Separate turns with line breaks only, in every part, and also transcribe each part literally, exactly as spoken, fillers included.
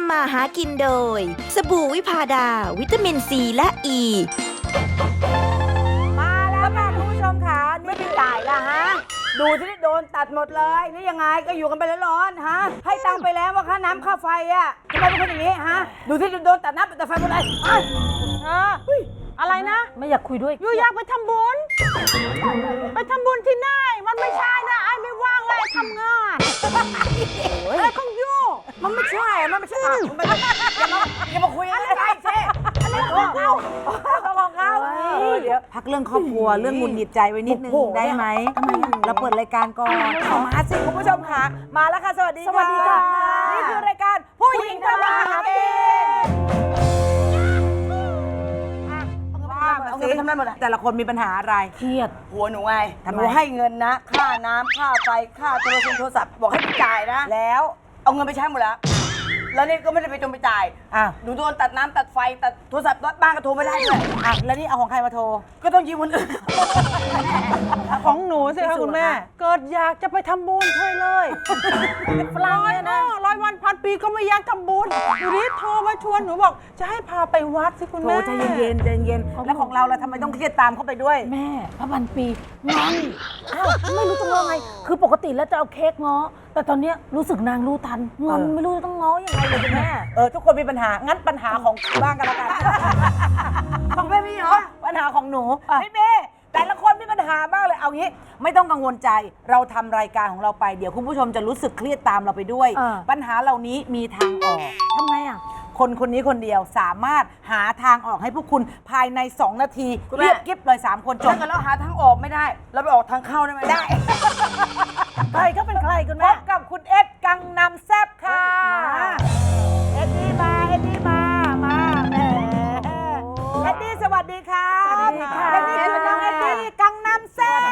ำมาหากินโดยสบู่วิพาดาวิตามินซีและอ e. ี
มาแล้วค่ะคุณผู้ชมค่ะไม่เป็นจ่ายละฮะดูที่โดนตัดหมดเลยนี่ยังไงก็อยู่กันไปร้อนๆฮะให้ตังค์ไปแล้วว่าค่าน้ำค่าไฟอ่ะทำไมเป็นคนอย่างนี้ฮะดูที่โดนตัดน้ำตัดไฟหมดเลยเอ้ย
เอออะไรนะไม่อยากคุยด้วยยูอยากไปทำบุญไปทำบุญที่ไหนมันไม่ใช่นะไอ้ไม่ว่างเลยทำงานอะไรของยู
มันไม่ใช่อะมันไม่ใช่อะมันไม่ใช่อย่ามาอย่ามาคุยอะไรกันเช่อะไรของเขาของเขาเดี๋ยวพักเรื่องครอบครัวเรื่องหงุดหงิดใจไว้นิดนึงได้ไหมเราเปิดรายการก่อนเอามาสิคุณผู้ชมค่ะมาแล้วค่ะสวัสดีค่ะ
สวัสดีค่ะ
นี่คือรายการผู้หญิงทำมาหากินเอาเงินไปทำอะไรหมดอะแต่ละคนมีปัญหาอะไร
เครียด
หัวหนูไง
ทำไม
หนูให้เงินนะ ค่าน้ำค่าไฟ ค่าโทรศัพท์โทรศัพท์บอกให้ไปจ่ายนะ แล้วเอาเงินไปใช้หมดแล้ว แล้วนี่ก็ไม่ได้ไปจงไปจ่าย
อ่ะ
หนูโดนตัดน้ำตัดไฟ ตัดโทรศัพท์บ้านก็โทรไม่ได้ด้วยอ่ะแล้วนี่เอาของใครมาโทร ก็ต้องยืมคนอื่น
ของหนูสิคะคุณแม่ เกิดอยากจะไปทำบุญใช่เลยร้อยนะร้อยวันพันปีก็ไม่อยากทำบุญอยู่นี้โทรมาชวนหนูบอกจะให้พาไปวัดสิคุณ
โทร
แม่
ใจเย็นๆใจเย็นๆแล้วของเราเราทำไมต้องเครียดตามเข้าไปด้วย
แม่พระพันปีงอนอ้าวไม่รู้จะง้อไง คือปกติแล้วจะเอาเค้กง้อ แต่ตอนเนี้ยรู้สึกนางรู้ทันงอน
เออ
ไม่รู้จะต้องง้อยังไงเลยคุณแม่
เออทุกคนมีปัญหา งั้นปัญหาของบ้างกันแล้วกัน ของแม่มีเหรอ ปัญหาของหนูไม่มีแต่ละคนมีปัญหามากเลย เอางี้ ไม่ต้องกังวลใจ เราทำรายการของเราไป เดี๋ยวคุณผู้ชมจะรู้สึกเครียดตามเราไปด้วย
อ่า
ปัญหาเหล่านี้มีทางออก
ทำไงอ่ะ
คนคนนี้คนเดียวสามารถหาทางออกให้พวกคุณภายใน สอง นาที
คุณแม่
เรียบกิ๊บเลยสามคนจบ
ถ้าเกิดเราหาทางออกไม่ได้ เราไปออกทางเข้าได้ไหม
ได้
ใครก็เป็นใครคุณ
พ
แม่
บกับคุณเอ็ดกังนำแซบค่ะ เอ็ดดี้มา เอ็ดดี้มา มาแหมเอ็ดดี้สวัสดีค่ะ
สวัสดีค่ะ
เอ็ดดี้คือน้องเอ็ดดี้กังนำแซบ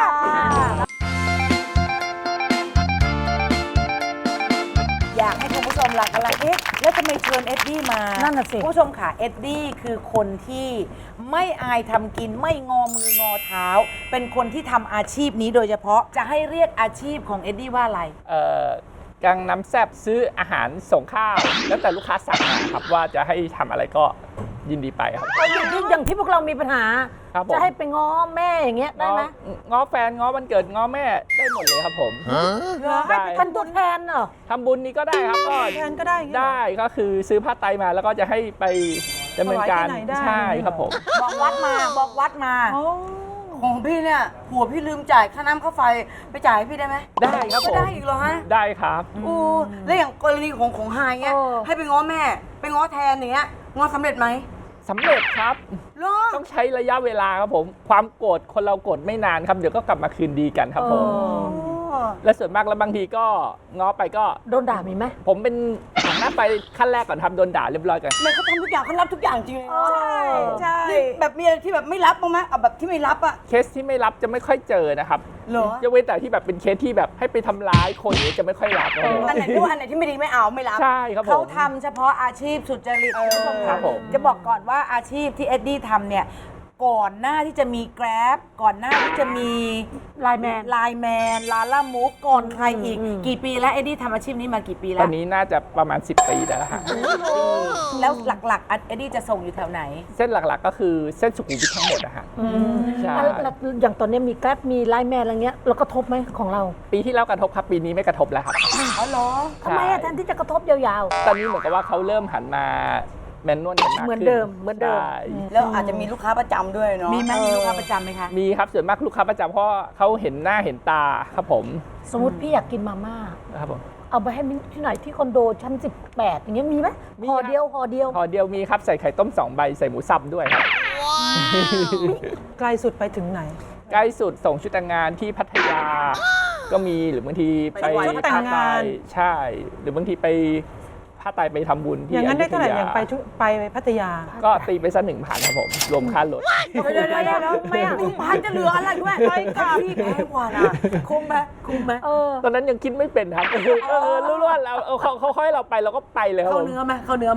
อยากให้คุณผู้ชมหลักอะไรเอ๊ะแล้วทำไมเชิญเอ็ดดี้มา
นั่นน่ะสิ
คุณผู้ชมค่ะ เอ็ดดี้คือคนที่ไม่อายทำกินไม่งอมืองอเท้า เป็นคนที่ทำอาชีพนี้โดยเฉพาะจะให้เรียกอาชีพของเอ็ดดี้ว่าอะไร
เอ่อกังน้ำแซบซื้ออาหารส่งข้าว แล้วแต่ลูกค้าสั่งมาครับว่าจะให้ทำอะไรก็ยินดีไปครับ
อย่างที่อย่างที่พวกเรามีปัญหา
ครับผม
จะให้ไปง้อแม่อย่างเงี้ยได้ไหม
ง้อง้อแฟนง้อวันเกิดง้อแม่ได้หมดเลยครับผมได้
เป็นตัวแทนเหรอ
ทำบุญนี้ก็ได้ครับก็
แทนก็ได้อย่างเงี้ย
ได้ก็คือซื้อผ้าไตรมาแล้วก็จะให้ไปดำเนินการ
ถวายที่ไหนได้
ใช่ครับผม
บอกวัดมาบอกวัดมา
โอ้
ของพี่เนี่ยผัวพี่ลืมจ่ายค่าน้ำค่าไฟไปจ่ายให้พี่ได้ไหม
ได้ครับผม
ก็ได้อีกเหรอฮะ
ได้ครับ
โอ้แล้วอย่างกรณีของของไฮเงี้ย
เออ
ให้ไปง้อแม่ ไปง้อแทนอย่างเงี้ยง้อสำเร็จไหม
สำเร็จครับ
เหรอ
ต้องใช้ระยะเวลาครับผม ความโกรธคนเราโกรธไม่นานครับเดี๋ยวก็กลับมาคืนดีกันครับผม และส่วนมากแล้วบางทีก็ง้อไปก็
โดนด่ามีไหม
ผมเป็นหันหน้าไปขั้นแรกก่อนทำโดนด่าเรียบร้อยกัน
แม่เขาทำทุกอย่างเขารับทุกอย่างจริงเลยนะ
ใช่ใช่
นี่แบบมีอะไรที่แบบไม่รับบ้างไหมเอาแบบที่ไม่รับอะ
เคสที่ไม่รับจะไม่ค่อยเจอนะครับ
เหรอ
ยกเว้นแต่ที่แบบเป็นเคสที่แบบให้ไปทำร้ายคนอย่างนี้จะไม่ค่อยรับครับผม
อันไหนที่ว่าอันไหนที่ไม่ดีไม่เอาไม่รับ
ใช่ครับผม
เขาทำเฉพาะอาชีพสุจริตคุณผู้ชม
ครั
ค่ะ
บผม
จะบอกก่อนว่าอาชีพที่เอ็ดดี้ทำเนี่ยก่อนหน้าที่จะมี Grab ก่อนหน้าที่จะมี
ไลน์แมน
ไลน์แมนลาล่ามูฟก่อนใครอีก
อืม
กี่ปีแล้วเอ็ดดี้ทำอาชีพนี้มากี่ปี
ต
แล้
อ
วน
นี้น่าจะประมาณสิบปีได้แล้วฮะ
แล้วหลักๆเอ็ดดี้จะส่งอยู่แถวไหน
เส้นหลักๆก็คือเส้นสุขุมวิททั้งหมดนะฮะใช่
แล้วแล้วอย่างตอนเนี้ยมีแกร็บมีไลน์แมนอะไรเงี้ยเรากระทบไหมของเรา
ปีที่แล้วกระทบครับปีนี้ไม่กระทบแล้วครับ
อ๋อเหรอ
ทำไมอะแทนที่จะกระทบยาว
ตอนนี้เหมือนกับว่าเขาเริ่มหันมาแมนนวลกันมากขึ้น
เหมือนเดิมเหมือนเดิม
ใช่
แล้วอาจจะมีลูกค้าประจำด้วยเนาะ
มีไหมมีลูกค้าประจำไหมคะ
มีครับส่วนมากลูกค้าประจำเพราะเขาเห็นหน้าเห็นตาครับผม
ๆ สมมติพี่อยากกินมาม่า
ครับผม
เอาไปให้มิ้นที่ไหนที่คอนโดชั้นสิบแปดอย่างเงี้ยมีไหม
มี
ห่อ
ครับ
เดียวห่อเดียว
ห่อเดียวมีครับใส่ไข่ต้มสองใบใส่หมูสับด้วยครับ
ไกลสุดไปถึงไหน
ใกล้สุดส่งชุดแต่งงานที่พัทยา ก็มีหรือบางทีไป
ชุดแต่งงาน
ใช่ หรือบางทีไปผ้าไตรไปทำบุญที่
อย่างนั้นได้เท่าไหร่
ยุธ
อย่างไปชุไปพัทยา
ก็ตีไปสักหนึ่งพันครับผม รวมค่ารถ
เดี๋ยวเดี๋ยวเดี๋ยวไม่อ่ะพันจะเหลืออะไรด้วยไปกับพี่แพงกว่านะคุ้มไหมคุ้มไหม
เออ
ตอนนั้นยังคิดไม่เป็นครับ เออรู้ว่าเราเอาเขาเขาให้เราไปเราก็ไปเลยครับ
เข้า
ผม
เนื้อไหมเข้าเนื้อไหม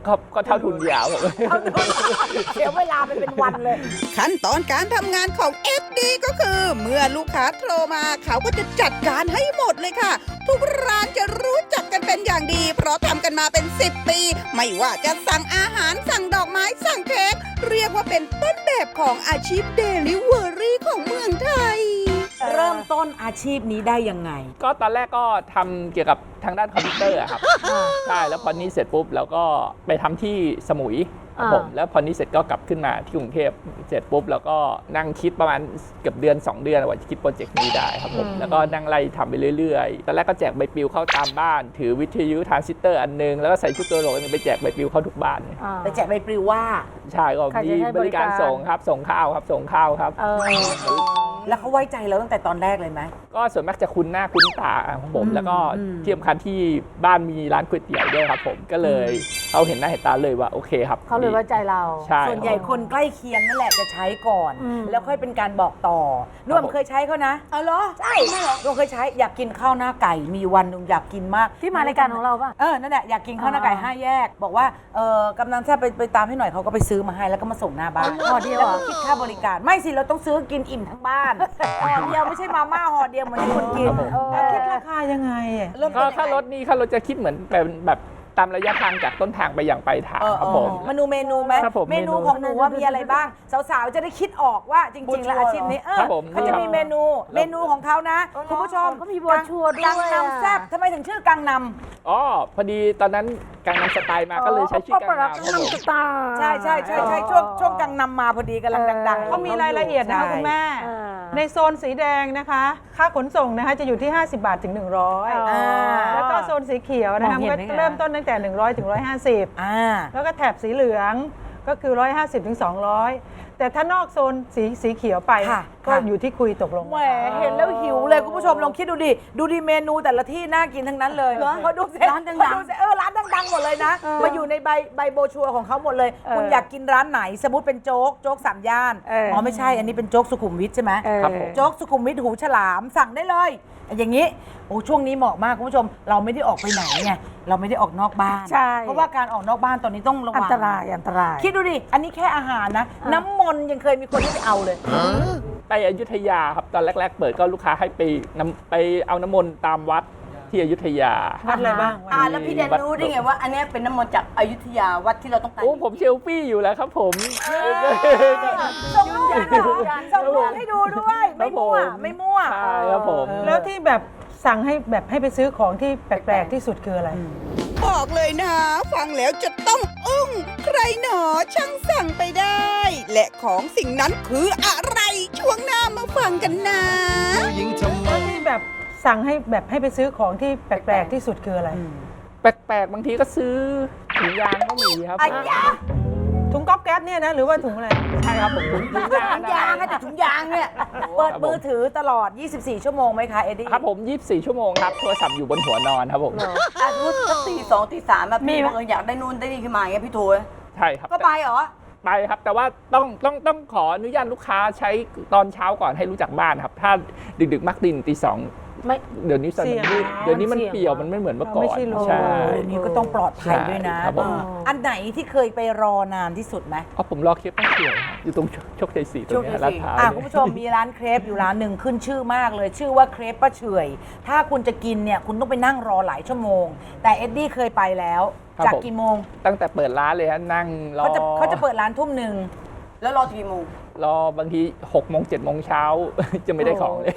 ก็ก็เท่าทุนยาวผม
เสียเวลาไปเป็นวันเลย
ขั้นตอนการทำงานของ เอฟ ดี ก็คือ เมื่อลูกค้าโทรมาเขาก็จะจัดการให้หมดเลยค่ะ ทุกร้านจะรู้จักกันเป็นอย่างดี เพราะทำกันมาเป็น สิบ ปี ไม่ว่าจะสั่งอาหารสั่งดอกไม้สั่งเค้กเรียกว่าเป็นต้นแบบของอาชีพเดลิเวอรี่ของเมืองไทย
เริ่มต้นอาชีพนี้ได้ยังไง
ก็ตอนแรกก็ทำเกี่ยวกับทางด้านคอมพิวเตอร์อะครับใช่แล้วพอนี้เสร็จปุ๊บแล้วก็ไปทำที่สมุยครับผมแล้วพอนี้เสร็จก็กลับขึ้นมาที่กรุงเทพเสร็จปุ๊บแล้วก็นั่งคิดประมาณเกือบเดือน สอง เดือนว่าจะคิดโปรเจกต์นี้ได้ครับผมแล้วก็นั่งไล่ทำไปเรื่อยๆตอนแรกก็แจกใบปลิวเข้าตามบ้าน ถือวิทยุทรานซิสเตอร์อันนึงแล้วก็ใส่ชุดตัวโหลกไปแจกใบปลิวเข้าทุกบ้าน
ไปแจกใบปลิวว่า
ใช่ก็
ใคร
มี
จะให้
บบ
ริ
ริ
กา
การ รส่งครับส่งข้าวครับส่งข้าวครับ
เออ
แล้วเขาไว้ใจเราตั้งแต่ตอนแรกเลยไหม
ก็ส่วนมากจะคุ้นหน้าคุ้นตาของผม แล้วก็ที่สำคัญที่บ้านมีร้านก๋วยเตี๋ยวด้วยครับผมก็เลยเขาเห็นหน้าเห็นตาเลยว่าโอเคครับ
เขาเลยไว้ใจเรา
ใช่
ส่วนใหญ่คนใกล้เคียงนั่นแหละจะใช้ก่อน
อืม
แล้วค่อยเป็นการบอกต่อนุ่มเคยใช้เขานะ
เอาเหรอ
ใช่นุ่มเคยใช้อยากกินข้าวหน้าไก่มีวันหนึงอยากกินมาก
ที่มารายการของเราป่ะ
เออนั่นแหละอยากกินข้าวหน้าไก่ห้าแยก บอกว่าเออกำนันแซ่บไปไปตามให้หน่อยเขาก็ไปซื้อมาให้แล้วก็มาส่งหน้าบ้าน
ห่อเดียวเหรอ
แล้ก็คิดค่าบริการไม่สิเราต้องซื้อกินอิ่มทั้งบ้านห่อเดียวไม่ใช่มาม่าห่อเดียวเหมือนที่คนกินเออ
แล้วคิดราคายังไงอะ
เริ่ม
ก็
ต้นยังไง
ค่ารถนี่ค่ารถจะคิดเหมือนแบบแบบตามระยะทางจากต้นทางไปอย่างปลายทาง
เออ
ครับผม
เมนูเมนูไหม
ครับผม
เมนู
เมนู
ของหนูว่ามีอะไรบ้าง สาวๆจะได้คิดออกว่าจริง ๆ แล้วอาชีพนี้เออ
ครับผม
เขาจะมีเมนูเมนูของเขานะคุณผู้ชม
เขามีโบรชัวร์ด้วย
กัง
อะ
นำแซ่บทำไมถึงชื่อกังน
อ๋อพอดีตอนนั้นกังนำสไตล์มาก็เลยใช้ชื่อกังนำครับผม
สไตล์
ำใช่ใช่ใช่ใช่ช่วงช่วงกังนำมาพอดีกำลังดังๆ
เขามีรายละเอียดนะคะคุณแม่
เออ
ในโซนสีแดงนะคะ ค่าขนส่งนะคะจะอยู่ที่ ห้าสิบบาทถึงหนึ่งร้อย
อ่า
แล้วก็โซนสีเขียวนะคะ
มองเห็น
ก็
ได้ไง
เริ่มต้นตั้งแต่ หนึ่งร้อยถึงหนึ่งร้อยห้าสิบ
อ่า
แล้วก็แถบสีเหลืองก็คือ หนึ่งร้อยห้าสิบถึงสองร้อย แต่ถ้านอกโซนสีสีเขียวไป
ค่ะ
ก็
ค่ะ
อยู่ที่คุยตกลง
แหมเห็นแล้วหิวเลยคุณผู้ชมลองคิดดูดิ ดูดิเมนูแต่ละที่น่ากินทั้งนั้นเลยพอดูเสร็จ
ร้านดังๆ
พอดูเสร็จเออร้านดังๆหมดเลยนะ มาอยู่ในใบใบโบรชัวร์ของเขาหมดเลย คุณอยากกินร้านไหน สมมติเป็นโจ๊กโจ๊กสามย่าน
เอออ๋
อ๋อไม่ใช่อันนี้เป็นโจ๊กสุขุมวิทใช่ไหม
เออ
ครับผม
โจ๊กสุขุมวิทหูฉลามสั่งได้เลย อย่างนี้โอ้ช่วงนี้เหมาะมากคุณผู้ชมเราไม่ได้ออกไปไหนไงเราไม่ได้ออกนอกบ้าน
ใช่
เพราะว่าการออกนอกบ้านตอนนี้ต้องระวัง
อันตรายอันตราย
คิดดูดิอันนี้แค่อาหารนะ น้ำมนต์ยังเคยมีคนที่ไปเอาเลย
ไปอยุธยาครับตอนแรก ๆ เปิดก็ลูกค้าให้ไปน้ำไปเอาน้ำมนต์ตามวัดที่อยุธยา
วัดอะไรบ้าง
อ่าแล้วพี่แดนรู้ได้ไงว่า อันเนี้ยเป็นน้ำมนต์จากอยุธยาวัดที่เราต้องไป
โอ้ผมเชลฟี่อยู่แล้วครับผม
ส่งรูปส่งรูปให้ดูด้วย ไม่มั่ว ไม่มั่ว
ใช่ครับผม
แล้วที่แบบสั่งให้แบบให้ไปซื้อของที่แปลกๆที่สุดคืออะไร
บอกเลยนะ ฟังแล้วจะต้องอึ้งใครหนอช่างสั่งไปได้ และของสิ่งนั้นคืออะไรช่วงหน้ามาฟังกันนะ
แล้วที่แบบสั่งให้แบบให้ไปซื้อของที่แปลกๆที่สุดคืออะไร
แปลกๆบางทีก็ซื้อถุงยางก็มีครับ
อันยา
ถุงก๊อบแก๊สเนี่ยนะหรือว่าถุงอะไร
ใช่ครับผมถุงยาง
ถุงยางให้แต่ถุงยางเนี่ย เปิดมือถือตลอด ยี่สิบสี่ ชั่วโมงไหมคะ เอ็ดดี้
ครับผมยี่สิบสี่ชั่วโมงครับโทรศัพท์อยู่บนหัวนอนครับผม
อ่ะสมมติสักตีสองตีสามแบบพี่บังเอิญอยากได้นู่นได้นี่ขึ้นมาอย่างเงี้ยพี่โทร
ใช่ครับ
ก็ไปเหรอ
ไปครับ แต่ว่าต้องต้องต้องขออนุญาตลูกค้าใช้ตอนเช้าก่อนให้รู้จักบ้านครับ ถ้าดึกๆมักดินตีสอง
ไม่
เดี๋ยวนี้สน
เสี่ยง
มืดเดี๋ยวนี้มัน
เสี่ยง
เปี่ยวมันไม่เหมือนเมื่อก่อ
ไม่
น
ใช่โล
ใช่
เดี๋ยวนี้ก็ต้องปลอดภัยด้วยนะ
ใช่ครับผม
เอออันไหนที่เคยไปรอนานที่สุดไหม
อ๋อผมรอเคปป้าเขียวครับอยู่ตรงโชคชัยสี่ตรงเนี้ยลาดพร้าว
อ่ะ
เนี่ย
คุณผู้ชมมีร้านเครปอยู่ร้านหนึ่งขึ้นชื่อมากเลย ชื่อว่าเครปป้าเฉอยถ้าคุณจะกินเนี่ยคุณต้องไปนั่งรอหลายชั่วโมง แต่เอ็ดดี้เคยไปแล้ว
ครับ
จาก
ผม
กี่โมง
ตั้งแต่เปิดร้านเลยฮะนั่งรอ
เขาจะเขาจะเปิดร้านทุ่มหนึ่ง
แล้วรอกี่โมง
รอบางทีหกโมงเจ็ดโมงเช้า จะไม่ได้ของเลย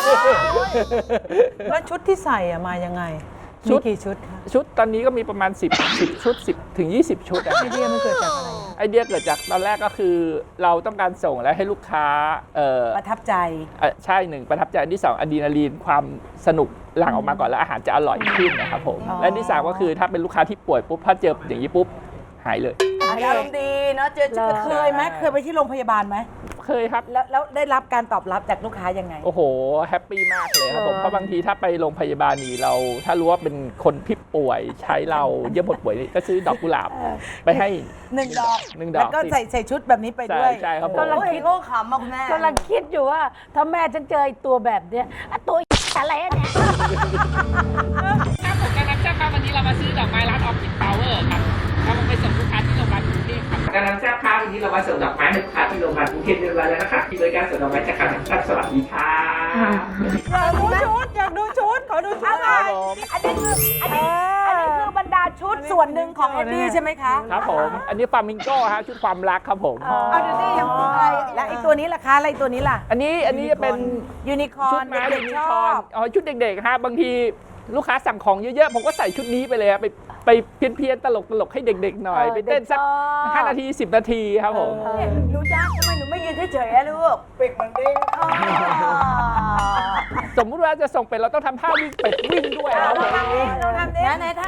แล้วชุดที่ใส่อะมายังไง
ชุ
มี
ด
กี่ชุดคะ
ชุดตอนนี้ก็มีประมาณ 10 10 ชุด 10 ถึง ยี่สิบ ชุดอะ
ไอเดียมันเกิดจากอะไร
ไอเดียเกิดจากตอนแรกก็คือเราต้องการส่งและให้ลูกค้าเอ่อ
ประทับใจ
เอ่อใช่หนึ่งประทับใจอันที่สองอะดรีนาลีนความสนุกหลั่งออกมาก่อนแล้วอาหารจะอร่อยขึ้นนะครับผม
อ๋อ
และอันที่สามก็คือถ้าเป็นลูกค้าที่ป่วยปุ๊บถ้าเจออย่างนี้ปุ๊บหายเลย
อารมณ์ดีเนาะเจอเจอ
เคยไหมเคยไปที่โรงพยาบาลไหม
เคยครับ
แล้วแล้วได้รับการตอบรับจากลูกค้ายังไง
โอ้โหแฮปปี้มากเลยครับผม
เออ
เพราะบางทีถ้าไปโรงพยาบาลนี่เรา ถ้ารู้ว่าเป็นคนที่ป่วยใช้เราเยี่ยมหมดป่วยนี่ก็ซื้อดอกกุหลาบไปให้
หนึ่งดอก
หนึ่งดอก
แล้วก็ใส่ใส่ชุดแบบนี้ไปด้วย
ใช่ใช่ครับผม
กำลังคิดโอ้ขำมากคุณแม่
กำลังคิดอยู่ว่าถ้าแม่ฉันเจอไอ้ตัวแบบเนี้ยอ่ะตัวอะไรอะเนี่ย
ครับผมการรับเจ้าครับวันนี้เรามาซื้อดอกไม้ร้านออฟฟิศพาวเวอร์ครับเราไปส่งนี้เรามาส่งดอกไม้ให้ลูกค้าที่โรงพยาบาลกรุงเทพเรียบร้อยแล้วนะคะที่บริการส่งดอกไม้จากการแห่งชาติสวัสดีค่ะ
อยากดูชุด อยากดูชุด ขอดูชุด
อะไร อันนี้คืออันนี้อันนี้คือบรรดาชุดส่วนหนึ่งของเอ็ดดี้ใช่ไหมคะ
ครับผม อันนี้ฟลามิงโก้ฮะชุดความรักครับผม
เอาดูดิยังอะไรและไอตัวนี้ล่ะคะอะไรตัวนี้ล่ะ
อันนี้อันนี้จะเป็น
ยูนิคอ
ชุ
ร์
ด
น
ไม้
เด็
เด็
ก
ก
ๆ
นิ
ช
ค
อ
อน
บ
อ๋อชุดเด็กๆฮะบางทีลูกค้าสั่งของเยอะๆ ผมก็ใส่ชุดนี้ไปเลยฮะไปไปเพี้ยนๆตลกๆให้เด็กๆหน่อย ไปเต้นสักห้านาทีสิบนาทีครับผม
หนูจ้าทำไมหนูไม่ยืนเฉยๆอะลูกเป็กมันเด้ง
สมมุติว่าจะส่งเป็ดเราต้องทำท่าวิ่งเป็ดวิ่งด้วยครับผม
เราทำเด้งไหนๆท่าน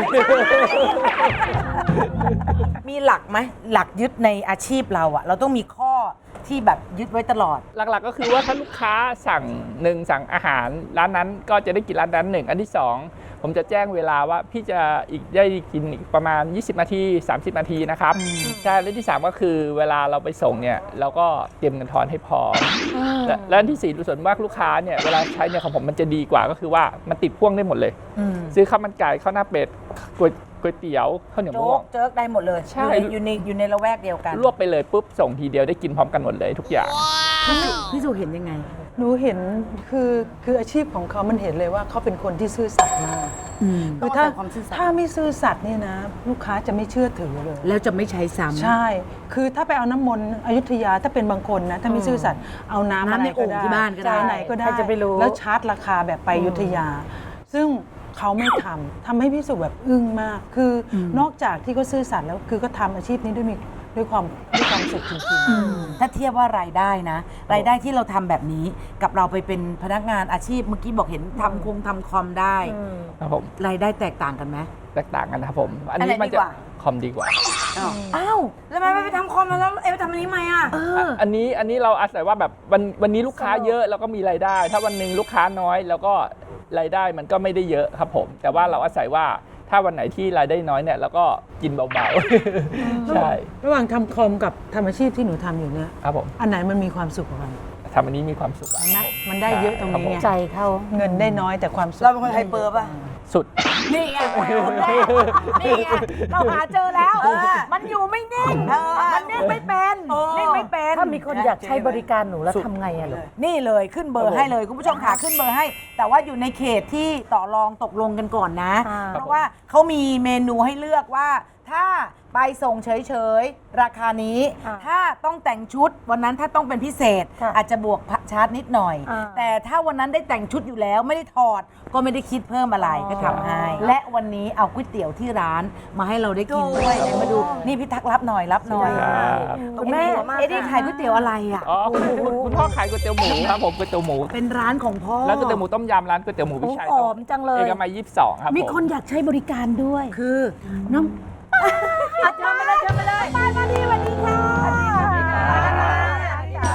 มีหลักไหมหลักยึดในอาชีพเราอะเราต้องมีข้อที่แบบยึดไว้ตลอด
หลักๆก็คือว่าถ้าลูกค้าสั่งหนึ่งสั่งอาหารร้านนั้นก็จะได้กินร้านนั้นหนึ่งอันที่สองผมจะแจ้งเวลาว่าพี่จะอีกได้กินอีกประมาณยี่สิบนาทีสามสิบนาทีนะครับใช่และที่สามก็คือเวลาเราไปส่งเนี่ยเราก็เตรียมเงินทอนให้พอและและอันที่สี่ส่วนมากลูกค้าเนี่ยเวลาใช้เนี่ยของผมมันจะดีกว่าก็คือว่ามันติดพ่วงได้หมดเลย ซื้อข้าวมันไก่ข้าวหน้าเป็ดก๋วยก๋วยเตี๋ยวข้าวเหนียวมะ
โจ๊
ม่ว
ก
ง
เจ๊กได้หมดเลย
ใช่
อยู่ในอยู่ในละแวกเดียวกัน
รวบไปเลยปุ๊บส่งทีเดียวได้กินพร้อมกันหมดเลยทุกอย่าง
พี่สุเห็นยังไง
หนูเห็นคือคืออาชีพของเขามันเห็นเลยว่าเขาเป็นคนที่ซื่อสัตย์มากคือถ้า
ต้องอาศัยความซื่อสัตย์
ถ้าไม่ซื่อสัตย์เนี่ยนะ ลูกค้าจะไม่เชื่อถือเลย
แล้วจะไม่ใช้ซ้ำ
ใช่ คือถ้าไปเอาน้ำมนต์อยุธยาถ้าเป็นบางคนนะ ถ้าไม่ซื่อสัตย์เอาน้ำ
น้ำในโอ่งที่บ้านก็ได้
จ่ายไหนก็ได้
ใครจะไปรู้
แล้วชาร์จราคาแบบไปอยุธยา ซึ่งเขาไม่ทำทำให้พี่สุแบบอึ้งมาก คืออนอกจากที่เขาซื่อสัตย์แล้วคือก็ทำอาชีพนี้ด้วยมีด้วยความด้วยความสุขจริงๆ
ถ้าเทียบว่ารายได้นะ รายได้ที่เราทำแบบนี้กับเราไปเป็นพนักงานอาชีพเมื่อกี้บอกเห็นทำคงทำคอมได้
ครับผม
รายได้แตกต่างกันไหม
แตกต่างกันนะครับผม อัน
อันไห
นี้
น
มัน
ดี
จะ
กว่า
คอมดีกว่า
อ้าว
แล้วทำไมไม่ไปทำคอมแล้วเอ๊ะไปทำอันนี้ไหมอ่ะ
อันนี้อันนี้เราอาศัยว่าแบบวันวันนี้ลูกค้าเยอะแล้วก็มีรายได้ ถ้าวันหนึ่งลูกค้าน้อยแล้วก็รายได้มันก็ไม่ได้เยอะครับผม แต่ว่าเราอาศัยว่าถ้าวันไหนที่รายได้น้อยเนี่ยเราก็กินเบาๆ ใช่
ระหว่างทำคอมกับทำอาชีพที่หนูทำอยู่เนี่ย
ครับผม
อันไหนมันมีความสุขกว่ากัน
ทำอันนี้มีความสุขอะ
เห็นไหม
ครับผ
มันได้เยอะตรงนี้ไง
ใจเขา
เงินได้น้อยแต่ความสุข
เราเป็นคนไฮเปอร์ป่ะ
สุด
นี่ไงคนแรกนี่ไงเราหาเจอแล้ว มันอยู่ไม่นิ่งมันนิ่งไม่เป็นนิ่งไม่เป็น
ถ้ามีคนอยากใช้บริการหนูแล้วทำไงอะลูก
นี่เลยขึ้นเบอร์ให้เลยคุณผู้ชมค่ะขึ้นเบอร์ให้ แต่ว่าอยู่ในเขตที่ต่อรองตกลงกันก่อนนะ
อ่า
เพราะว่าเขามีเมนูให้เลือกว่า ถ้าไปส่งเฉยๆ ราคานี้ ถ้าต้องแต่งชุดวันนั้นถ้าต้องเป็นพิเศษ อาจจะบวกชาร์จนิดหน่อย แต่ถ้าวันนั้นได้แต่งชุดอยู่แล้วไม่ได้ถอดก็ไม่ได้คิดเพิ่มอะไรก็ทำให้ และวันนี้เอาก๋วยเตี๋ยวที่ร้านมาให้เราได้กินด้วยไหนมาดูนี่พี่ทักรับหน่อยรับหน่อย
ครับ
คุณแม่เอ็ดดี้ขายก๋วยเตี๋ยวอะไรอ่ะ
อ๋อคุณคุณพ่อขายก๋วยเตี๋ยวหมูครับผมก๋วยเตี๋ยวหมู
เป็นร้านของพ่อ
ร้านก๋วยเตี๋ยวหมูต้มยำร้านก๋วยเตี๋ยวหมูพิชัย
หอมจังเลย
เอกมัยยี่สิบสองครับ
มี
ผ
คนอยากใช้บริการด้วย
คือ
น้อง
อาจารย์มาเลยเชิญมาเลยมามาดีสวัสดีค่ะสวัสดีค่ะ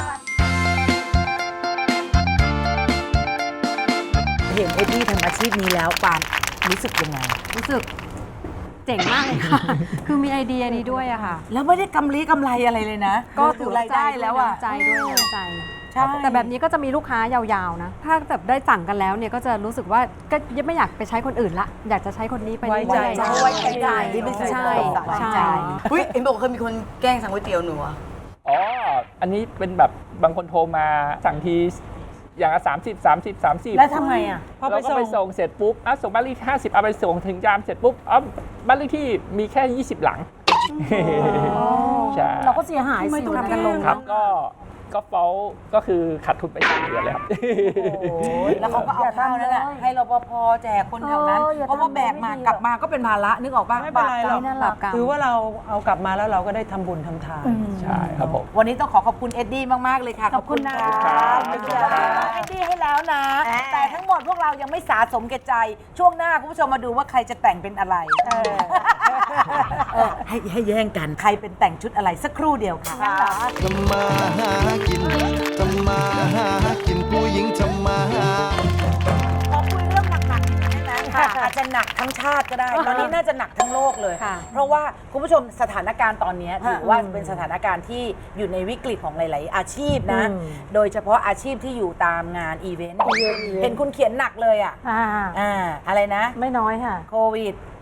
เห็นเอ็ดดี้ทำอาชีพนี้แล้วปานรู้สึกยังไง
รู้สึกเจ๋งมากเลยค่ะ คือมีไอเดียนี้ด้วยอะค่ะ
แล้วไม่ได้กำลีกำไรอะไรเลยนะ
ก็
ถือรายได้แล้วอ่ะ
ใจด้วยน้ำใจ
ใช่
แต่แบบนี้ก็จะมีลูกค้ายาวๆนะ ถ้าแบบได้สั่งกันแล้วเนี่ยก็จะรู้สึกว่าก็ยังไม่อยากไปใช้คนอื่นละ อยากจะใช้คนนี้ไป
ไว้ใจ
เรื่อยๆ
ไว้ใจ
ที่ไม่ใช่
ไว้
ใช่
ใจ
อุ้ยเอ็มบอกเคยมีคนแกล้งสั่งก๋วยเตี๋ยวหนูอะ
อ๋อ อันนี้เป็นแบบบางคนโทรมาสั่งทีอย่างละสามสิบ สามสิบ สามสิบ
แล้วทำไงอ่ะ
พอไป
เราก็ไป
ส่
ส่
ง
งเสร็จปุ๊บอ่ะส่งบ้านเลขที่ห้าสิบเอาไปส่งถึงยามเสร็จปุ๊บอ๋อบ้านเลขที่มีแค่ยี่สิบหลังใช่
เราก็เสียหาย
ทำไม
สิ
ต้อง
เวลา
ทำกันลง
ครับก็ก็เฟ้าก็คือขาดทุนไปสามเดือนเลยครับ
แล้วเขาก็เอาข้าวนั่นแหละให้รปภแจกคนแถวนั้น
เอออย่า
เพราะว่า
ทำ
แบกมา
ไม่ดี
กลับมาก็เป็นภาระนึกออกป่ะ
ไม่เป็นไรหรอก
ไม่น่ารักกัน
ถือว่าเราเอากลับมาแล้วเราก็ได้ทำบุญทำทาน
ใช่ครับผม
วันนี้ต้องขอขอบคุณเอ็ดดี้มาก ๆ เลยค่ะ
ขอบคุณนะ
ขอบคุณค่ะเอ็ดดี้ให้แล้วนะ แต่ทั้งหมดพวกเรายังไม่สาสมแก่ใจ ช่วงหน้าคุณผู้ชมมาดูว่าใครจะแต่งเป็นอะไรเออให้ให้แย่งกันใครเป็นแต่งชุดอะไรสักครู่เดียวค่ะ
ทำมาหากินทำมาหากินผู้หญิงทำมาหา
ขอคุยเรื่องหนักๆได้ไหมค่ะอาจจะหนักทั้งชาติก็ได้ ตอนนี้น่าจะหนักทั้งโลกเลย
ค่ะ
เพราะว่าคุณผู้ชมสถานการณ์ตอนนี้ถือว่าเป็นสถานการณ์ที่อยู่ในวิกฤตของหลาย ๆ อาชีพนะ โดยเฉพาะอาชีพที่อยู่ตามงานอีเวนต์เห็นคุณเขียนหนักเลยอ่ะ
อ่า
อ่าอะไรนะ
ไม่น้อยค่ะ
โควิด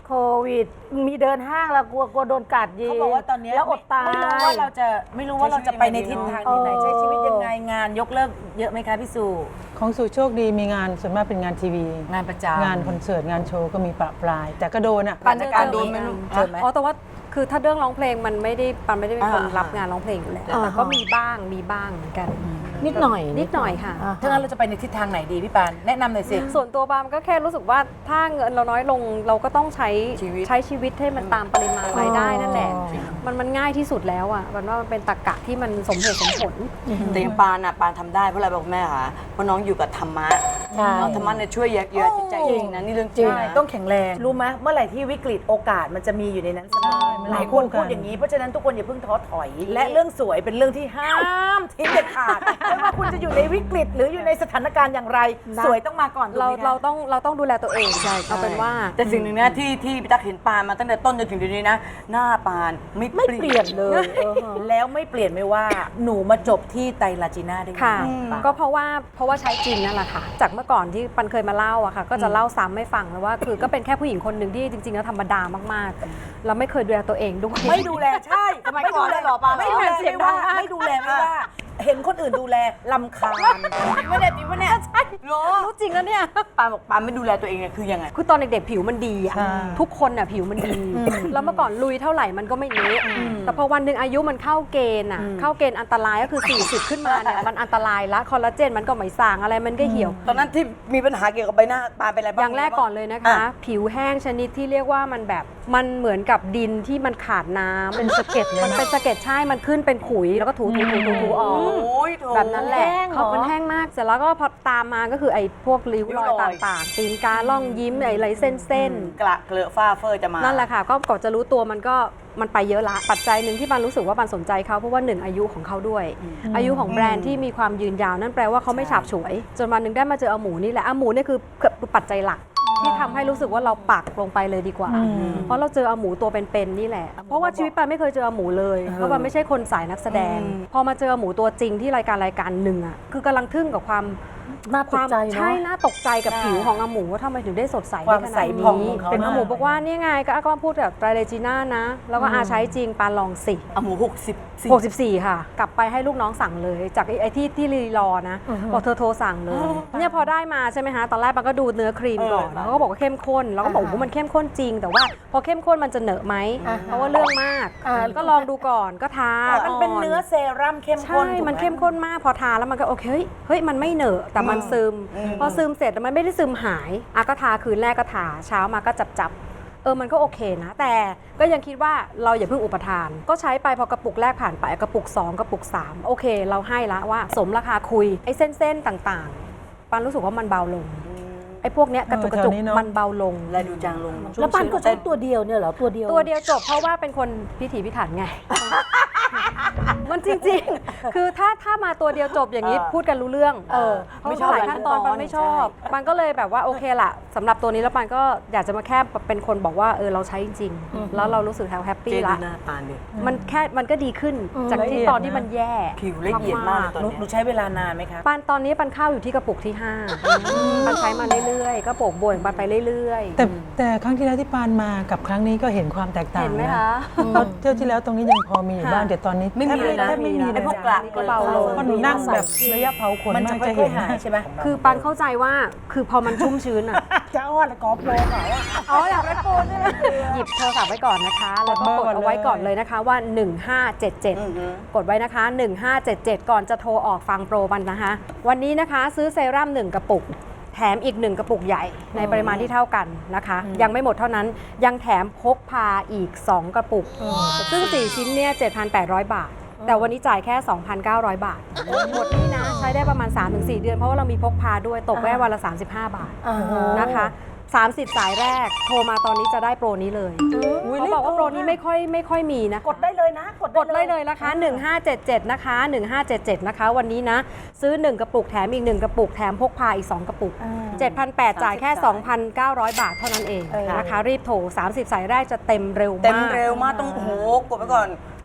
โควิด มีเดินห้างแล้วกลัวกลัวโดนกัดยิง
เขาบอกว่าตอนเนี้ย
แล้วอดตาย
ไม่รู้ว่าเราจะไม่รู้ว่าเราจะไปในทิศทางที่ไหน
เออ
ใช้ชีวิตยังไงงานยกเลิกเยอะไหมคะพี่สุ
ของสู่โชคดีมีงานส่วนมากเป็นงานทีวี
งานประจำ
งานคอนเสิร์ตงานโชว์ก็มีประปราย แต่ก็โดนอ่ะ
ปันจัดการโดนไหมลูกเจอไหม
อ๋อแต่ว่าคือถ้าเรื่องร้องเพลงมันไม่ได้ปันไม่ได้เป็นคน
อ่า
รับงานร้องเพลงอยู่แล้ว
อ่า
แต่ก็มีบ้างมีบ้างเหมือนกัน
นิดหน่อย
นิดหน่อยค่ะ
า
ถ้างั้นเราจะไปในทิศทางไหนดีพี่ปานแนะนำหน่อยสิ
ส่วนตัวปามก็แค่รู้สึกว่าถ้าเงินเราน้อยลงเราก็ต้องใช้
ชีวิต
ใช้ชีวิตให้มันตามปริมาณรายได้นั่นแหละ มันมันง่ายที่สุดแล้วอ่ะมันว่ามันเป็นตรรกะที่มันสมเหตุสมผล
แต่อย่างปานอ่ะปานทำได้เพราะอะไรบอกแม่คะเพราะน้องอยู่กับธรรมะ
ใช่
เอาธรรมะเนี่ยช่วยเยียวยาจิตใจจริงนะนี่เรื่องจริง
ใช่
นะ
ต้องแข็งแรง รู้ไหมเมื่อไหร่ที่วิกฤตโอกาสมันจะมีอยู่ในนั้นเสมอหลายคนพูดอย่างนี้เพราะฉะนั้นทุกคนอย่าเพิ่งท้อถอย และเรื่องสวยเป็นเรื่องที่ห้ามทิ้งเด็ดขาดไม่ว่าคุณจะอยู่ในวิกฤตหรืออยู่ในสถานการณ์อย่างไร สวยต้องมาก่อนถูก
เรา
ไหมคะ
เราต้องเราต้องดูแลตัวเองเอาเป็นว่า
แต่สิ่งหนึ่งนะที่ที่พี่ตั๊กเห็นปานมาตั้งแต่ต้นจนถึงเดี๋ยวนี้นะ หน้าปานไม่
ไม่เปลี่ยนเลยเออแล้วไม่เปลี่ยนไม่ว่าหนูมาจบที่ไตรลาจีน่าได้ยังไง
ค่ะ
ปาน
ก็เพราะว่าเพราะว่าใช้จริงนั่นแหละค่ะ จากเมื่อก่อนที่ปันเคยมาเล่าอะค่ะ ก็จะเล่าซ้ำให้ฟังแล้วว่า คือก็เป็นแค่ผู้หญิงคนหนึ่งที่จริงๆแล้วธรรมดามากๆแล้วไม่เคยดูแลตัวเองด้วย
ไม่ดูแลใช่
สมัยก่อนเลยเหรอปาน
ไม่ดูแล
เสีย
ไม่
งดั
ว่าง
มาก
ไม่ดูแลไม่ว่า เห็นคนอื่นดูแลลำคาญไม่ได้จริงปะเนี่ย
ใช่รู้จริงแล้วเนี่ย
ปานบอกปานไม่ดูแลตัวเองเนี่ยคือยังไง
คือตอนเด็กๆผิวมันดีอะ
ใช่
ทุกคนอะผิวมันดี แล้วเมื่อก่อนลุยเท่าไหร่มันก็ไม่เละแต่พอวันหนึ่งอายุมันเข้าเกณฑ์อะเข้าเกณฑ์อันตรายก็คือ สี่สิบ ขึ้นมาเนี่ยมันอันตรายละคอลลาเจนมันก็ไม่สร้างอะไรมันก็เหี่ยว
ตอนนั้นที่มีปัญหาเกี่ยวกับใบหน้าปานเป็นอะไรบ้าง
อย่างแรกก่อนเลยนะคะ
อ่ะ
ผิวแห้งชนิดที่เรียกว่ามันแบบมันเหมือนกับดินที่มันขาดน้ำเป็นสะเก็ดมันเป็นสะเก็ดใช่มันขึ้นเป็นขุยแล้วก็ถูถูถูถูถูออก
โอ้ยโถ
แบบนั้นแหละ
แห้งเหรอ
เขามันแห้งมากเสร็จแล้วก็พอตามมาก็คือไอ้พวกริ้วรอย
ริ้วรอย
ต่างๆตีนกาล่องยิ้มไอ้ไรเส้นเส้นๆ
กระเกลือฝ้าเฟอร์จะมา
นั่นแหละค่ะก็ก่อนจะรู้ตัวมันก็มันไปเยอะละปัจจัยหนึ่งที่บันรู้สึกว่าบันสนใจเขาเพราะว่าหนึ่งอายุของเขาด้วย อายุของแบรนด์ที่มีความยืนยาวนั่นแปลว่าเขาไม่ฉาบฉวย จนวันหนึ่งได้มาเจออาหมูนี่แหละอาหมูเนี่ยคือคือปัจจัยหลัก ที่ทำให้รู้สึกว่าเราปักลงไปเลยดีกว่า เพราะเราเจออาหมูตัวเป็นๆนี่แหละ เพราะว่าชีวิตปันไม่เคยเจออาหมูเลยเพราะปันไม่ใช่คนสายนักแสดง พอมาเจออาหมูตัวจริงที่รายการรายการหนึ่งอ่ะคือกำลังทึ่งกับความ
น่าต
ควาก ม
ใจเนาะ
ใช่น่าตกใจกับผิวของอาหมูว่าทำไมถึงได้สดใส
ความ
ได้ข
ใส
นาด
ผ่อง
นี้
ของเขา
เป็นอาหมู
นะ
บอกว่านี่ไงก็ก็พูดแบบไตรเลจีน่านะ แล้วก็อาใช้จริงปาลองสิ
เอาหมูหกสิบสี่
หกสิบสี่ค่ะ กลับไปให้ลูกน้องสั่งเลย จากไอ้ไอ้ที่ที่รีรอนะบอกเธอโทรสั่งเลยเนี่ยพอได้มาใช่ไหมคะตอนแรกมันก็ดูเนื้อครีมก่อนแล้วก็บอกว่าเข้มข้นแล้วก็บอกว่ามันเข้มข้นจริง แต่ว่าพอเข้มข้นมันจะเหนอะไหมเพราะว่าเรื่องมาก
อ่า
ก็ลองดูก่อนก็ทา
มันเป็นเนื้อเซรั่มเข้มข้
ใช่
นถูกไห
มันเข้มข้นมากพอทาแล้วมันก็โอเคเฮ้ยเฮ้ยมันไม่เหนอะแต่มันซึม พอซึมเสร็จแล้วมันไม่ได้ซึมหายอ่ะก็ทาคืนแรกก็ทาเช้ามาก็จับจับเออมันก็โอเคนะ แต่ก็ยังคิดว่าเราอย่าเพิ่งอุปทาน ก็ใช้ไปพอกระปุกแรกผ่านไปกระปุกสองกระปุกสามโอเค เราให้ละว่าสมราคาคุยไอ้เส้นๆต่างๆปันรู้สึกว่ามันเบาลงไอ้พวกเนี้ยกระจุกกระจุก
เออแถวนี้เนอะ
มันเบาลง
และดูจางลง
แล้วปันก็ใช้ตัวเดียวเนี่ยเหรอตัวเดียว
ตัวเดียวจบเพราะว่าเป็นคนพิถีพิถันไง มันจริงๆ คือถ้าถ้ามาตัวเดียวจบอย่างนี้พูดกันรู้เรื่อง
เออ
เพราะหลายขั้นตอนปันไม่ชอบปันก็เลยแบบว่าโอเคละสำหรับตัวนี้แล้วปันก็อยากจะมาแค่เป็นคนบอกว่าเออเราใช้จริงๆแล้วเรารู้สึกแฮป
เจ
ปี้
ดู
ละ
หน้าปานดิ
มันแค่มันก็ดีขึ้นจากที่ตอนที่มันแย่
ผิวละเอียดมากเลยตอน
หนู
เนี้ย
หนูใช้เวลานานไหมคะ
ปันตอนนี้ปันเข้าอยู่ที่กระปุกที่ห้าปันใช้มาเรื่อยๆก็โปกบวยปันไปเรื่อยๆ
แต่แต่ครั้งที่แล้วที่ปานมากับครั้งนี้ก็เห็นความแตกต่าง
เห็นไหม
นะคะ เพราะเที่ยวที่แล้วตรงนี้ยังพอมีอยู่บ้างแต่ตอนนี้
ไม่มีเลยนะ
แทบไม่มี
ไอ้
เลย
พวกกระ
ก็เบาลง
เพราะหนูนั่งแบบระยะเผาขน
มัน
มา
จะ
ก
ค่
จะ
อ
เห็
ย
น
ๆหายใช่ไหม
คือปันเข้าใจว่าคือพอมันชุ่มชื้นอ่ะ
จะอ้อนกอล์ฟโลเขาอะ
อ๋ออยากได้โปรใช่ไหมหยิบโทรศัพท์ไว้ก่อนนะคะ แล้วก็กดเอาไว้ก่อนเลยนะคะว่า หนึ่งห้าเจ็ดเจ็ด กดไว้นะคะ หนึ่งห้าเจ็ดเจ็ด ก่อนจะโทรออกฟังโปรมันนะคะ วันนี้นะคะซื้อเซรั่มหนึ่งกระปุก แถมอีกหนึ่งกระปุกใหญ่ในปริมาณที่เท่ากันนะคะ ยังไม่หมดเท่านั้นยังแถมพกพาอีก สอง กระปุก ซึ่ง สี่ ชิ้นเนี่ย เจ็ดพันแปดร้อย บาท แต่วันนี้จ่ายแค่ สองพันเก้าร้อย บาท หมดนี่นะใช้ได้ประมาณ สามถึงสี่ เดือนเพราะว่าเรามีพกพาด้วยตกแค่วันละ สามสิบห้า บาท นะคะสามสิบ สายแรกโทรมาตอนนี้จะได้โปรนี้เลยเขาบอกว่าโปรนี้ไม่ค่อยไม่ค่อยมีนะ
กดได้เลยนะ กด
กดเลยเลยนะคะ หนึ่งห้าเจ็ดเจ็ด นะคะ หนึ่งห้าเจ็ดเจ็ด นะคะ วันนี้นะ ซื้อ หนึ่ง กระปุกแถมอีก หนึ่ง กระปุกแถมพกพาอีก สอง กระปุก เจ็ดพันแปดร้อย จ่ายแค่ สองพันเก้าร้อย บาทเท่านั้นเองนะคะ รีบโทร สามสิบ สายแรกจะเต็มเร็วมาก
เต็มเร็วมากต้องโอ้โหกดไปก่อน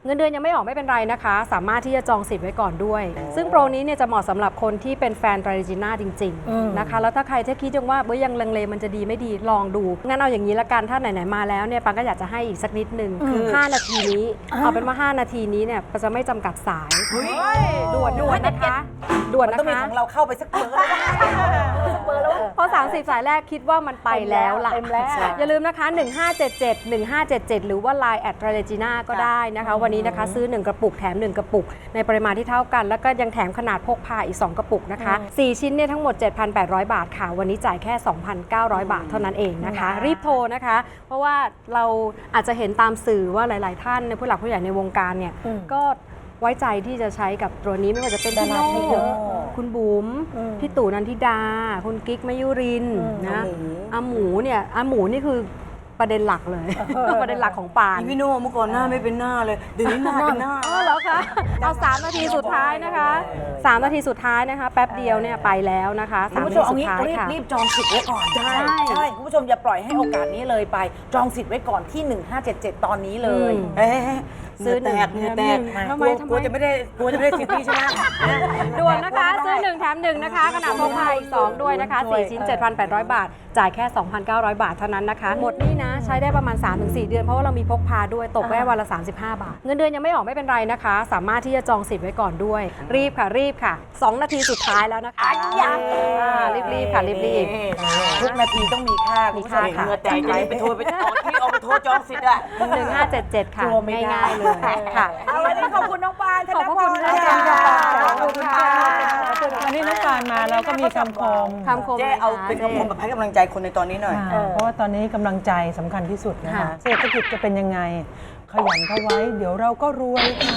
เงินเดือนยังไม่ออกไม่เป็นไรนะคะ สามารถที่จะจองสิทธิ์ไว้ก่อนด้วย ซึ่งโปรนี้เนี่ยจะเหมาะสำหรับคนที่เป็นแฟนไตรจีน่าจริงๆนะคะแล้วถ้าใครที่คิดยังว่าเอ้ยยังลังเลมันจะดีไม่ดีลองดูงั้นเอาอย่างนี้ละกันถ้าไหนๆมาแล้วเนี่ยปังก็อยากจะให้อีกสักนิดนึงคือห้านาทีนี้เอาเป็นว่าห้านาทีนี้เนี่ยจะไม่จำกัดสายด่วนด่วนนะคะด่วน
มัน
นะ
ต้องมี
คะ
ของเราเข้าไปสักเบอร์แล้ว
เพราะสามสิบสายแรกคิดว่ามันไปแล้วล่ะ
เต็มแล้ว
อย่าลืมนะคะ หนึ่งห้าเจ็ดเจ็ด หนึ่งห้าเจ็ดเจ็ด หรือว่า ไลน์ แอด ไทรจีน่า ก็ได้นะคะ วันนี้นะคะซื้อ หนึ่ง กระปุกแถม หนึ่ง กระปุก ในปริมาณที่เท่ากัน แล้วก็ยังแถมขนาดพกพาอีก สอง กระปุกนะคะ สี่ ชิ้นเนี่ยทั้งหมด เจ็ดพันแปดร้อย บาทค่ะ วันนี้จ่ายแค่ สองพันเก้าร้อย บาทเท่านั้นเองนะคะ รีบโทรนะคะ เพราะว่าเราอาจจะเห็นตามสื่อว่าหลาย ๆ ท่านในผู้หลักผู้ใหญ่ในวงการเนี่ยก็ไว้ใจที่จะใช้กับตัวนี้ไม่ว่าจะเป็นพี่โน่คุณบุ๋มพี่ตู่นันทิดา คุณกิ๊กมยุรินทร์นะอาหมูเนี่ยอาหมูนี่คือประเด็นหลักเลย ประเด็นหลักของปาน
อีพี่โน่เมื่อก่อนหน้าไม่เป็นหน้าเลยเดี๋ยวนี้หน้าเป็นหน้า
อ๋อเหรอคะเอาสามนาทีสุดท้ายนะคะสามนาทีสุดท้ายนะคะ แป๊บเดียวเนี่ยไปแล้วนะคะ
คุ
สา
ณ
ม
ผู้
นา
ช
ที
มเอา
สุด
งี้
ท้าย
รีบ
ค่ะ
รีบจองสิทธิ์ไว้ก่อนใช่ใช่คุณผู้ชมอย่าปล่อยให้โอกาสนี้เลยไป จองสิทธิ์ไว้ก่อนที่ หนึ่งห้าเจ็ดเจ็ด ตอนนี้เลย
อืม
เอ๊ะ
ซื้อหนึ่ง
เหงื่อแตก
แถมหนึ่ง
ทำ
ทำ
ไม
ไม
กลัวจะไม่ได้กลัวจะไม่ได้สิทธิ์นี้ใช่ไหม
ด่วนนะคะ ซื้อหนึ่งแถมหนึ่งนะคะขนาดพกพาอีกสองด้วยนะคะสี่ชิ้น เจ็ดพันแปดร้อย บาท จ่ายแค่ สองพันเก้าร้อย บาทเท่านั้นนะคะ หมดนี่นะใช้ได้ประมาณ สามถึงสี่ เดือนเพราะว่าเรามีพกพาด้วยตกแค่วันละ สามสิบห้า บาท เงินเดือนยังไม่ออกไม่เป็นไรนะคะ สามารถที่จะจองสิทธิ์ไว้ก่อนด้วย รีบค่ะรีบค่ะสองนาทีสุดท้ายแล้วนะคะรีบรีบๆค่ะรีบรีบๆ
ทุกนาทีต้องมีค่าคุณผู้ชม
มีค่าค่ะ
เหงื่อแตก
ใจจะรีบไปโทรไปจองที่เอาไปโทรจองสิทธิ์อะ
หนึ่งห้าเจ็ดเจ็ดค่ะ
กลัวไม่ได้
ง่ายๆเลยค่ะ
เอาวันนี้ขอบคุณน้องปานธน
ขอบพระ
พ
คุณ
ร
ค่ะ
ขอบคุณค่ะ
วันนี้น้องปานมาเราก็มีคำคม
คำคม
เจ๊
ลย
เอา
ค่ะ
เป็นคำคมแบบให้กำลังใจคนในตอนนี้หน่อย
อ่าเพราะว่าตอนนี้กำลังใจสำคัญที่สุดนะคะ
ค่ะ
เศรษฐกิจจะเป็นยังไง ขยันเข้าไว้ เดี๋ยวเราก็รวยค่ะ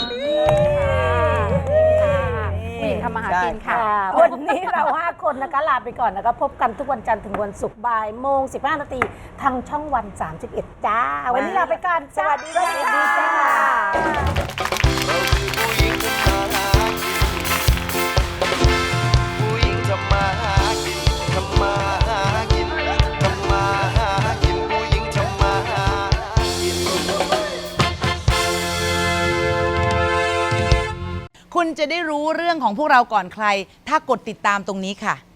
ผู้หญิงทำมาหากินค่ะ
วันนี้เราห้าคนนะคะลาไปก่อนนะคะพบกันทุกวันจันทร์ถึงวันศุกร์บ่ายโมงสิบห้านาทีทางช่องวันสามสิบเอ็ดจ้า วันนี้ลาไปก่อนสวัสดีจ้า
ผู้หญิงทำมาหากินทำมาหากินทำมาหากินผู้หญิงทำมาหากิน
คุณจะได้รู้เรื่องของพวกเราก่อนใคร ถ้ากดติดตามตรงนี้ค่ะ